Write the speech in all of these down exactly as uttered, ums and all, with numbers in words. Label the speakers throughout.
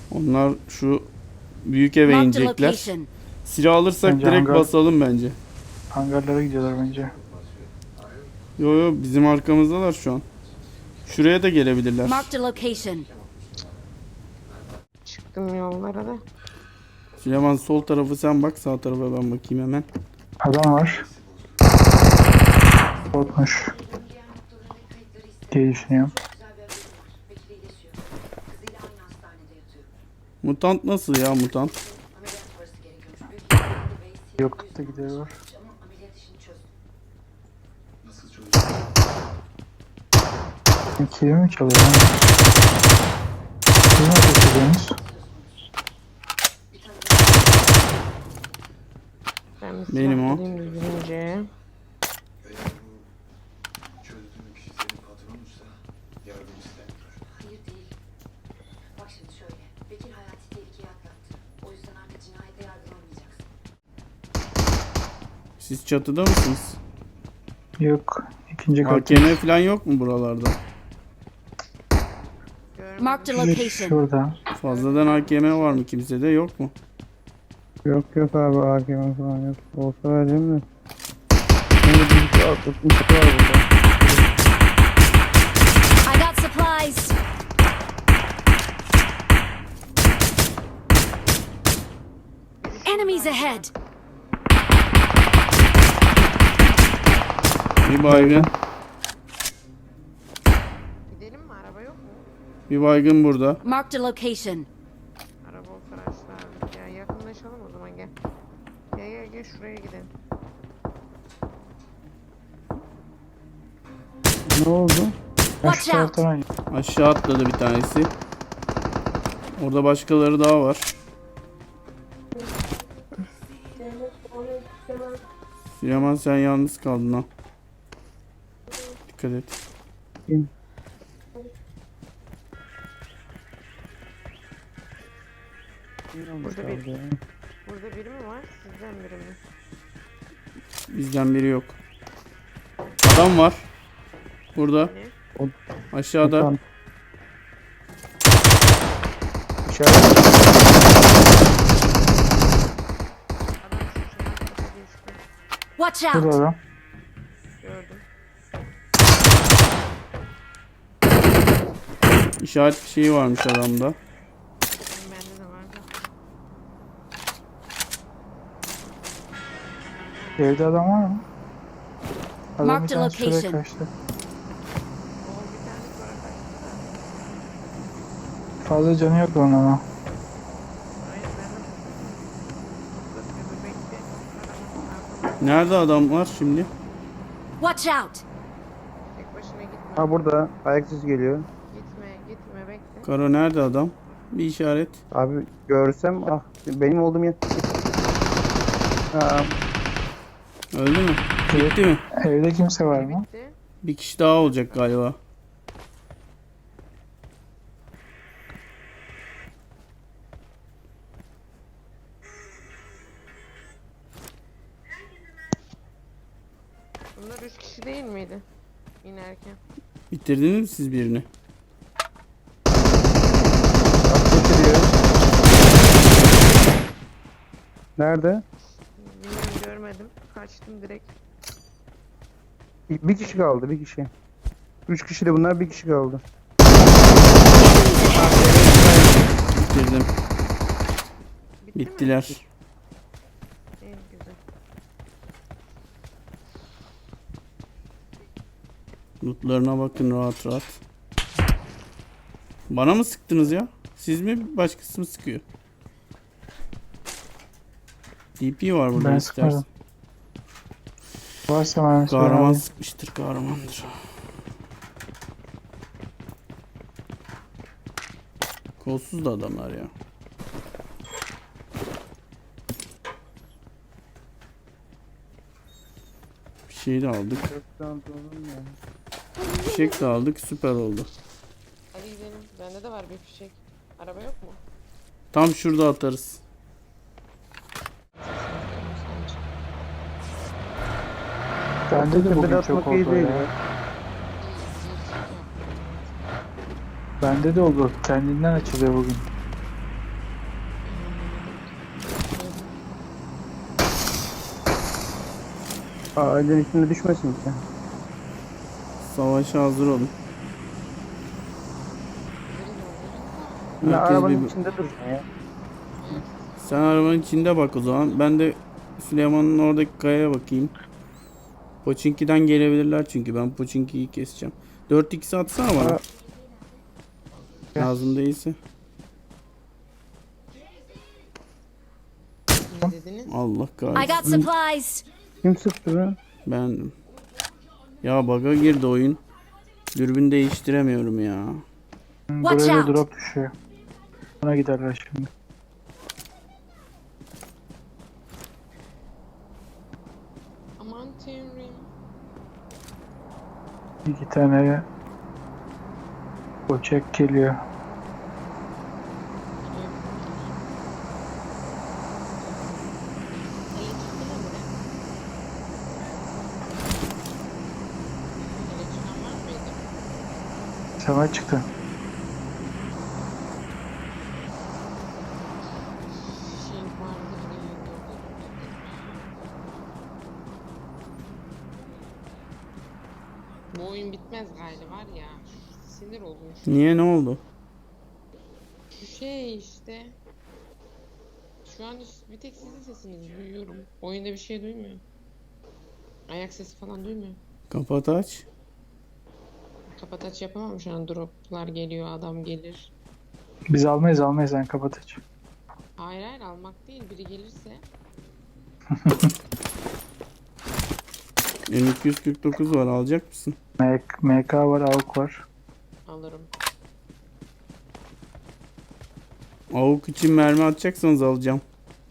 Speaker 1: Onlar şu büyük eve
Speaker 2: Marked a
Speaker 1: inecekler.
Speaker 2: location.
Speaker 1: Silah alırsak
Speaker 3: Bence
Speaker 1: direkt
Speaker 3: hangar-
Speaker 1: basalım bence.
Speaker 3: Hangarlara gidiyorlar bence.
Speaker 1: Yo yo bizim arkamızdalar şu an. Şuraya da gelebilirler.
Speaker 2: Marked a location.
Speaker 4: Çıktım yollara da.
Speaker 1: Süleyman sol tarafı sen bak, sağ tarafa ben bakayım hemen.
Speaker 3: Adam var. Korkmuş. Diye düşünüyorum.
Speaker 1: Mutant nasıl ya mutant?
Speaker 3: Yok da gidiyorlar. Kimi mi çalıyor lan? Kimi ateş ediyorsunuz?
Speaker 4: Ben bir
Speaker 1: Benim
Speaker 4: silah
Speaker 1: o.
Speaker 4: bulayım düzgünce.
Speaker 5: Çözdüğün kişi senin patronuysa yardım istemiyor.
Speaker 6: Hayır değil. Bak şimdi şöyle. Bekir hayati tehlikeyi atlattı. O yüzden artık cinayete yargılamayacaksın.
Speaker 1: Siz çatıda mısınız?
Speaker 3: Yok. İkinci
Speaker 1: A
Speaker 3: kat.
Speaker 1: K M falan yok mu buralarda?
Speaker 2: Marked a
Speaker 3: Bir
Speaker 2: location.
Speaker 3: şurada.
Speaker 1: Fazladan A K M var mı, kimsede yok mu?
Speaker 7: Yok yok abi A K M falan yok. Olsa vereceğim de. Şimdi bir altmış var burada.
Speaker 2: I got supplies. Enemies ahead.
Speaker 1: Bir baygın.
Speaker 4: Gidelim mi? Araba yok mu?
Speaker 1: Bir baygın burada.
Speaker 2: Marked a location.
Speaker 4: Araba olsa araçlar. Ya yakınlaşalım o zaman gel. Gel gel gel şuraya gidelim.
Speaker 7: Ne oldu?
Speaker 3: Ben
Speaker 2: Watch
Speaker 3: şu
Speaker 2: out.
Speaker 3: taraftan
Speaker 1: Aşağı atladı bir tanesi. Orada başkaları daha var. Süleyman sen yalnız kaldın ha. Dikkat et.
Speaker 4: Burada bir, burada biri mi var? Sizden biri mi?
Speaker 1: Bizden biri yok. Adam var. Burada.
Speaker 4: Hani?
Speaker 1: Aşağıda.
Speaker 7: Mutant.
Speaker 3: İçeride.
Speaker 4: Adam şu şuna tarafa geçti.
Speaker 2: Watch
Speaker 3: Şurada
Speaker 2: out.
Speaker 3: adam.
Speaker 4: Gördüm.
Speaker 1: İşaret şeyi varmış adamda.
Speaker 4: Benim bende de vardı.
Speaker 3: Evde adam var mı? Adam bir
Speaker 2: Marked a
Speaker 3: tane şuraya
Speaker 2: location.
Speaker 3: kaçtı.
Speaker 4: O bir tane sonra kaçtı.
Speaker 3: Fazla canı yok onun ama.
Speaker 4: Hayır ben de burada bekle.
Speaker 1: Nerede adam var şimdi?
Speaker 2: Watch out.
Speaker 4: Tek başına gitme.
Speaker 7: Ha burada ayak sesi geliyor.
Speaker 4: Gitme gitme bekle.
Speaker 1: Karo nerede adam? Bir işaret.
Speaker 7: Abi görsem ah benim olduğum yer. Ha,
Speaker 1: Öldü mü? Gitti mi?
Speaker 3: Evde kimse var mı?
Speaker 4: Bitti.
Speaker 1: Bir kişi daha olacak galiba.
Speaker 4: Bunlar üç kişi değil miydi? İnerken.
Speaker 1: Bitirdiniz mi siz birini?
Speaker 7: bak getiriyor. Nerede?
Speaker 4: Bilmiyorum görmedim. Kaçtım direkt.
Speaker 7: Bir bir kişi kaldı bir kişi. Üç kişi de bunlar bir kişi kaldı.
Speaker 1: Bitirdim.
Speaker 4: Bitti mi?
Speaker 1: Bittiler.
Speaker 4: En güzel.
Speaker 1: Lootlarına bakın rahat rahat. Bana mı sıktınız ya? Siz mi, başkası mı sıkıyor? D P var burada
Speaker 3: Ben
Speaker 1: istersen.
Speaker 3: sıkmadım. Varsa ben
Speaker 1: Kahraman sıkmıştır, kahramandır. Kolsuz da adamlar ya. Bir şey de aldık. Fişek de aldık, süper oldu.
Speaker 4: Hadi gidelim. Bende de var bir fişek. Araba yok mu?
Speaker 1: Tam şurada atarız.
Speaker 3: Bende de bugün
Speaker 7: Tepede
Speaker 3: çok
Speaker 7: atmak iyi
Speaker 3: oldu
Speaker 7: değil
Speaker 3: ya.
Speaker 7: ya.
Speaker 3: Bende de oldu. Kendinden açılıyor bugün.
Speaker 7: Ağacın içinde düşmesin ki.
Speaker 1: Savaşa hazır olun.
Speaker 7: Ne
Speaker 1: Herkes
Speaker 7: arabanın
Speaker 1: bir-
Speaker 7: içinde dursun ya.
Speaker 1: Sen arabanın içinde bak o zaman. Ben de Süleyman'ın oradaki kayaya bakayım. Pochinki'den gelebilirler çünkü ben Pochinki'yi keseceğim. dört x atsana bana.
Speaker 7: Ha.
Speaker 1: Lazım değilse.
Speaker 4: Ne dediniz?
Speaker 1: Allah
Speaker 2: I
Speaker 1: kahretsin.
Speaker 2: got supplies.
Speaker 7: Kim sıktı be?
Speaker 1: Ben ya bug'a girdi oyun. Dürbün değiştiremiyorum ya.
Speaker 2: Watch
Speaker 7: Buraya
Speaker 2: out.
Speaker 7: da drop düşüyor. Buna giderler şimdi.
Speaker 4: Aman tanrım.
Speaker 7: İki tane Koçek geliyor.
Speaker 4: Hele çıktı mı buraya? Hele çıkan var mıydı?
Speaker 7: Sana çıktı.
Speaker 4: Şey vardı buraya. Bu oyun bitmez galiba var ya. Sinir oldum.
Speaker 1: Niye, ne oldu?
Speaker 4: Şu şey işte. Şu an hiç- bir tek sizin sesinizi duyuyorum. Oyunda bir şey duymuyor. Ayak sesi falan duymuyor.
Speaker 1: Kapat aç.
Speaker 4: Kapat aç yapamam şu an. Droplar geliyor, adam gelir.
Speaker 7: Biz almayız almayız sen kapat aç.
Speaker 4: Hayır hayır almak değil. Biri gelirse
Speaker 1: M iki yüz kırk dokuz var, alacak mısın?
Speaker 7: M- MK var, AUK var.
Speaker 4: alırım.
Speaker 1: Avuk için mermi atacaksanız alacağım.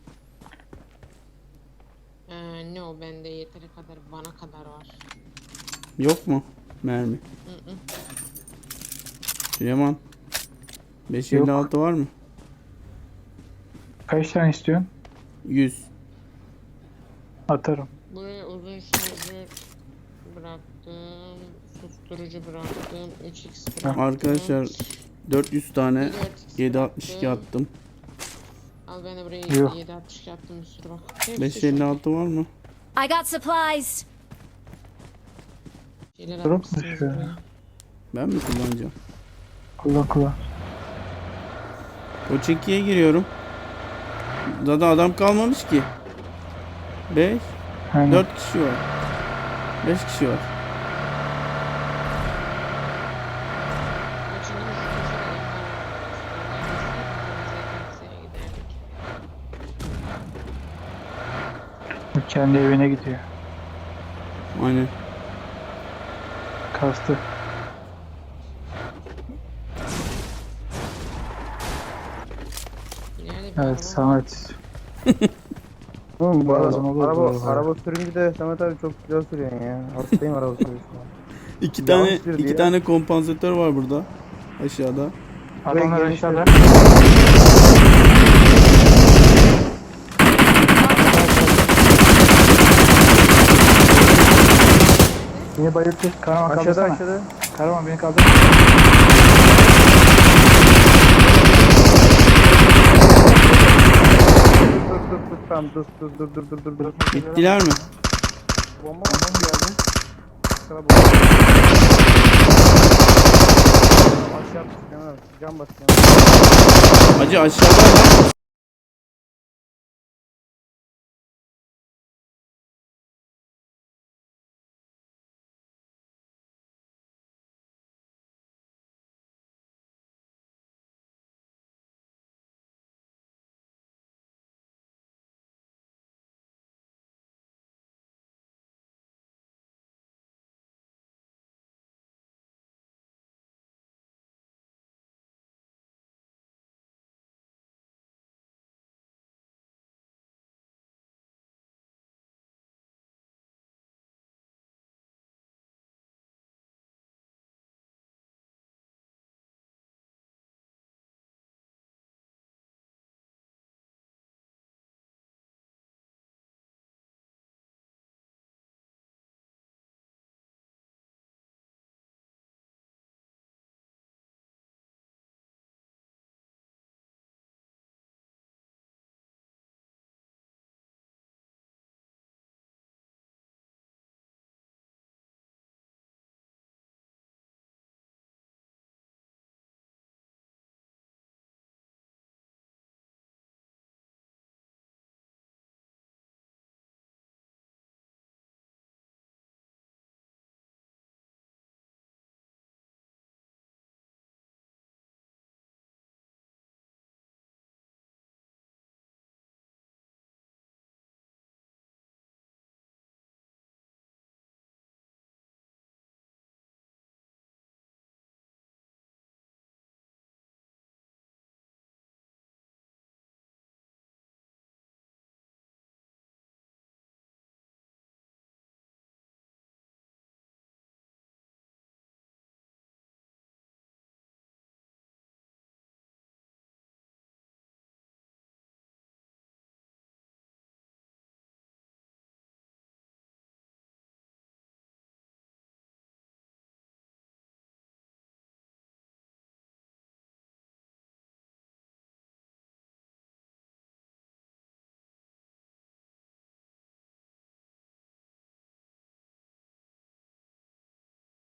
Speaker 4: Ee, ne o bende yeteri kadar bana kadar var.
Speaker 1: Yok mu mermi?
Speaker 4: Hı hı.
Speaker 1: Süleyman. beş elli altı var mı?
Speaker 7: Kaç tane istiyorsun?
Speaker 1: yüz.
Speaker 7: Atarım.
Speaker 4: Buraya uzun şarjör bıraktım. Susturucu bıraktım. üç x bıraktım.
Speaker 1: Arkadaşlar dört yüz tane
Speaker 4: dört x
Speaker 1: yedi altmış iki
Speaker 4: bıraktım.
Speaker 1: attım.
Speaker 4: Al ben de buraya
Speaker 7: Yok.
Speaker 4: yedi altmış iki attım bir sürü bak. Hepsi
Speaker 1: beş
Speaker 4: şu
Speaker 1: elli altı var mı?
Speaker 2: I got supplies.
Speaker 4: şeyler
Speaker 7: Drop mu
Speaker 4: atmışsınız
Speaker 7: düşüyor?
Speaker 4: buraya.
Speaker 1: Ben mi kullanacağım?
Speaker 7: Kullan kullan.
Speaker 1: O çekiye giriyorum. Zaten adam kalmamış ki. beş,
Speaker 7: Aynen.
Speaker 1: dört kişi var. beş kişi var.
Speaker 4: Açılır şu köşede yapar. Oradan giderdik.
Speaker 7: Bu kendi evine gidiyor.
Speaker 1: Aynen.
Speaker 7: Kastı.
Speaker 4: İleride bir
Speaker 7: Evet
Speaker 4: araba var.
Speaker 7: Samet.
Speaker 3: Oğlum bu
Speaker 7: Bazen
Speaker 3: araba,
Speaker 7: oluyor
Speaker 3: araba,
Speaker 7: böyle.
Speaker 3: araba sürünce de Samet abi çok güzel sürüyorsun ya. Hastayım araba sürüşüne.
Speaker 1: İki
Speaker 3: Yalan
Speaker 1: tane
Speaker 3: söylüyor
Speaker 1: iki
Speaker 3: ya.
Speaker 1: tane kompansatör var burada. Aşağıda.
Speaker 7: Adamlar
Speaker 3: Buraya
Speaker 7: aşağıda. Beni bayılttı. Karaman
Speaker 3: Aşağıda
Speaker 7: kaldırsana.
Speaker 3: aşağıda.
Speaker 7: Karaman beni kaldır.
Speaker 3: Dur dur dur tamam dur dur dur dur dur dur dur.
Speaker 1: Bittiler mi?
Speaker 3: Bomba bomba mı geldi? Sana bomba. Aşağı atmış, cam basıyor.
Speaker 1: Hacı aşağıda lan.